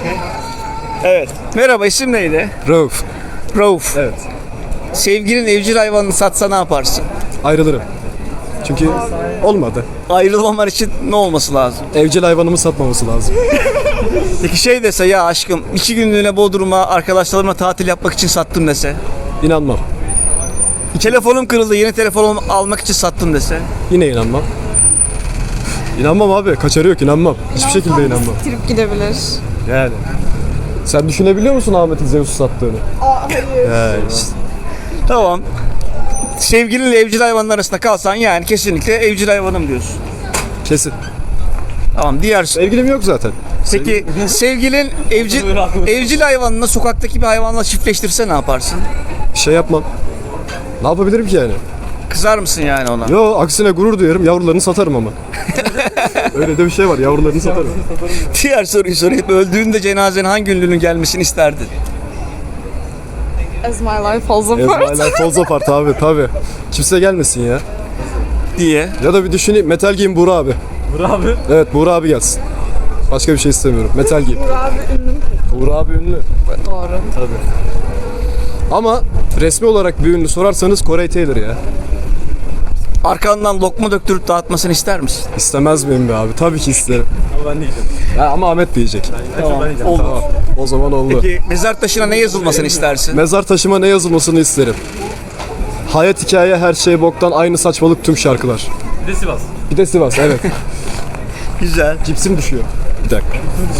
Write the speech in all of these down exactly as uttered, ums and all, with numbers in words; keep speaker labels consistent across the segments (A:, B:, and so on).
A: Evet. Merhaba, isim neydi?
B: Rauf.
A: Rauf.
B: Evet.
A: Sevgilin evcil hayvanını satsa ne yaparsın?
B: Ayrılırım. Çünkü olmadı.
A: Ayrılmaman için ne olması lazım?
B: Evcil hayvanımı satmaması lazım.
A: Peki şey dese, ya aşkım iki günlüğüne Bodrum'a arkadaşlarımla tatil yapmak için sattım dese.
B: İnanmam.
A: Telefonum kırıldı, yeni telefon almak için sattım dese.
B: Yine inanmam. İnanmam abi. Kaçarı yok, inanmam. Hiçbir şekilde inanmam.
C: Trip gidebilir.
B: Yani. Sen düşünebiliyor musun Ahmet'in Zeus'u sattığını?
C: Aa, hayır.
B: He işte.
A: Tamam. Sevgilinle evcil hayvanlar arasında kalsan yani kesinlikle evcil hayvanım diyorsun.
B: Kesin.
A: Tamam, diğer...
B: Sevgilim yok zaten.
A: Peki sevgilin evcil, evcil hayvanını sokaktaki bir hayvanla çiftleştirse ne yaparsın?
B: Bir şey yapmam. Ne yapabilirim ki yani?
A: Kızar mısın yani ona?
B: Yo, aksine gurur duyarım. Yavrularını satarım ama. Öyle de bir şey var. Yavrularını satarım.
A: Diğer soruyu sorayım. Öldüğünde cenazenin hangi ünlünün gelmesini isterdin?
C: As my life falls apart.
B: Ezmaylar Falls Apart abi tabi. Kimse gelmesin ya.
A: Diye.
B: Ya da bir düşüneyim. Metal Giyim Buğra abi.
A: Burak abi.
B: Evet, Buğra abi gelsin. Başka bir şey istemiyorum. Metal Giyim.
C: Burak abi ünlü.
B: Buğra abi ünlü.
C: Doğru.
B: Ama resmi olarak bir ünlü sorarsanız Corey Taylor ya.
A: Arkandan lokma döktürüp dağıtmasını ister misin?
B: İstemez miyim be abi? Tabii ki isterim.
D: Ama ben diyeceğim.
B: Ya ama Ahmet diyecek.
A: Tamam. Olur.
B: Tamam. O zaman oldu.
A: Peki mezar taşına ne yazılmasını istersin?
B: Mezar taşıma ne yazılmasını isterim? Hayat hikaye her şey boktan aynı saçmalık tüm şarkılar.
D: Bir de Sivas.
B: Bir de Sivas evet.
A: Güzel.
B: Cipsim düşüyor. Bir dakika.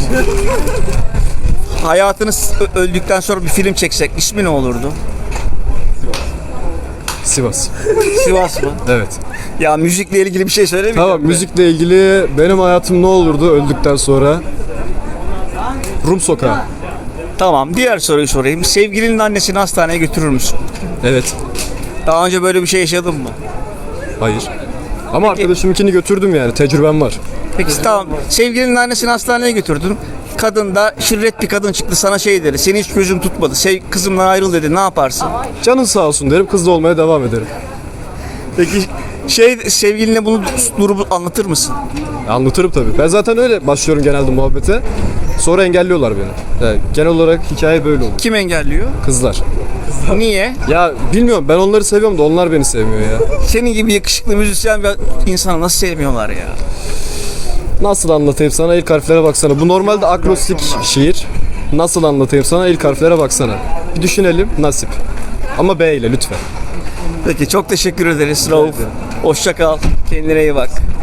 A: Hayatınız ö- öldükten sonra bir film çeksek ismi ne olurdu?
B: Sivas.
A: Sivas mı?
B: Evet.
A: Ya müzikle ilgili bir şey söylemeyeceğim.
B: Tamam,
A: de.
B: müzikle ilgili benim hayatım ne olurdu öldükten sonra? Rum Sokağı.
A: Tamam, diğer soruyu sorayım. Sevgilinin annesini hastaneye götürür müsün?
B: Evet.
A: Daha önce böyle bir şey yaşadın mı?
B: Hayır. Ama arkadaşımınkini götürdüm yani. Tecrübem var.
A: Peki tamam. Sevgilinin annesini hastaneye götürdün. Kadın da şirret bir kadın çıktı, sana şey dedi. Seni hiç gözüm tutmadı. Sev, kızımdan ayrıl dedi. Ne yaparsın?
B: Canın sağ olsun derim. Kızla olmaya devam ederim.
A: Peki şey sevgiline bunu durumu anlatır mısın?
B: Anlatırım tabii. Ben zaten öyle başlıyorum genelde muhabbete. Sonra engelliyorlar beni. Yani genel olarak hikaye böyle olur.
A: Kim engelliyor?
B: Kızlar.
A: Niye?
B: Ya bilmiyorum, ben onları seviyorum da onlar beni sevmiyor ya.
A: Senin gibi yakışıklı müzisyen bir insanı nasıl sevmiyorlar ya?
B: Nasıl anlatayım sana, ilk harflere baksana. Bu normalde akrostik şiir. Nasıl anlatayım sana, ilk harflere baksana. Bir düşünelim, nasip. Ama B ile lütfen.
A: Peki çok teşekkür ederiz Rauf. Hoşça kal. Kendine iyi bak.